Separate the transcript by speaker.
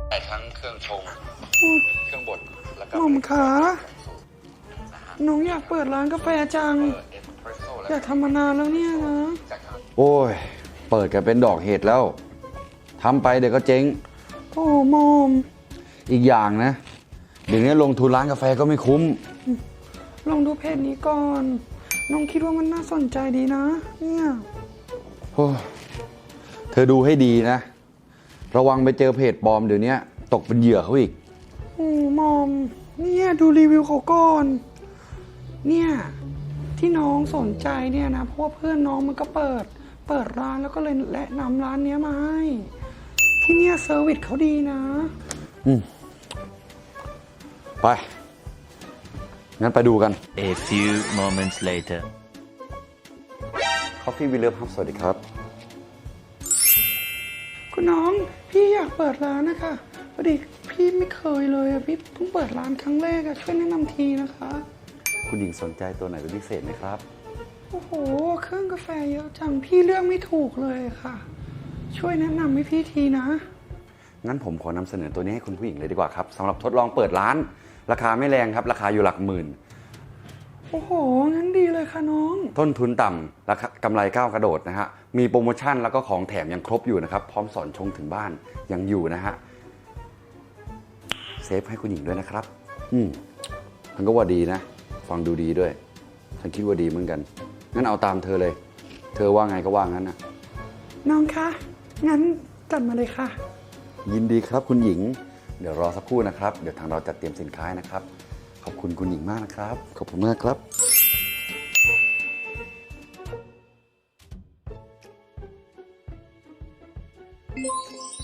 Speaker 1: ได้ทั้งเครื่องชงเครื่องบดแล้วก็
Speaker 2: หม่อมขาน้องอยากเปิดร้านกาแฟจังอยากทำมานานแล้วเนี่ยนะ
Speaker 3: โอ้ยเปิดกันเป็นดอกเห็ดแล้วทำไปเดี๋ยวก็เจ๊ง
Speaker 2: โอ้หม่อม
Speaker 3: อีกอย่างนะเดี๋ยวนี้ลงทุนร้านกาแฟก็ไม่คุ้ม
Speaker 2: ลองดูเพจนี้ก่อนน้องคิดว่ามันน่าสนใจดีนะเนี่ย
Speaker 3: โอ้เธอดูให้ดีนะระวังไปเจอเพจปลอมเดี๋ยวนี้ตกเป็นเหยื่อเขาอีก
Speaker 2: โอ้หม่อมเนี่ยดูรีวิวเขาก่อนเนี่ยที่น้องสนใจเนี่ยนะเพราะว่าเพื่อนน้องมันก็เปิดร้านแล้วก็เลยแนะนำร้านนี้มาให้ที่เนี่ยเซอร์วิสเขาดีนะ
Speaker 3: ไปงั้นไปดูกัน
Speaker 4: A few moments later
Speaker 3: Coffee Will Love ครับสวัสดีครับ
Speaker 2: คุณน้องพี่อยากเปิดร้านนะคะพอดีพี่ไม่เคยเลยอะพี่เพิ่งเปิดร้านครั้งแรกอะช่วยแนะนำทีนะคะ
Speaker 3: คุณหญิงสนใจตัวไหนเป็นพิเศษไหมครับ
Speaker 2: โอ้โหเครื่องกาแฟเยอะจังพี่เลือกไม่ถูกเลยค่ะช่วยแนะนำให้พี่ทีนะ
Speaker 3: งั้นผมขอนำเสนอตัวนี้ให้คุณผู้หญิงเลยดีกว่าครับสำหรับทดลองเปิดร้านราคาไม่แรงครับราคาอยู่หลักหมื่น
Speaker 2: โอ้โหงั้นดีเลยค่ะน้อง
Speaker 3: ต้นทุนต่ำราคากำไรก้าวกระโดดนะฮะมีโปรโมชั่นแล้วก็ของแถมยังครบอยู่นะครับพร้อมสอนชงถึงบ้านยังอยู่นะฮะเซฟให้คุณหญิงด้วยนะครับมันก็ว่าดีนะฟังดูดีด้วยฉันคิดว่าดีเหมือนกันงั้นเอาตามเธอเลยเธอว่าไงก็ว่างั้นนะ
Speaker 2: น้องคะงั้นจัดมาเลยค่ะ
Speaker 3: ยินดีครับคุณหญิงเดี๋ยวรอสักครู่นะครับเดี๋ยวทางเราจัดเตรียมสินค้านะครับขอบคุณคุณหญิงมากนะครับขอบคุณมากครับ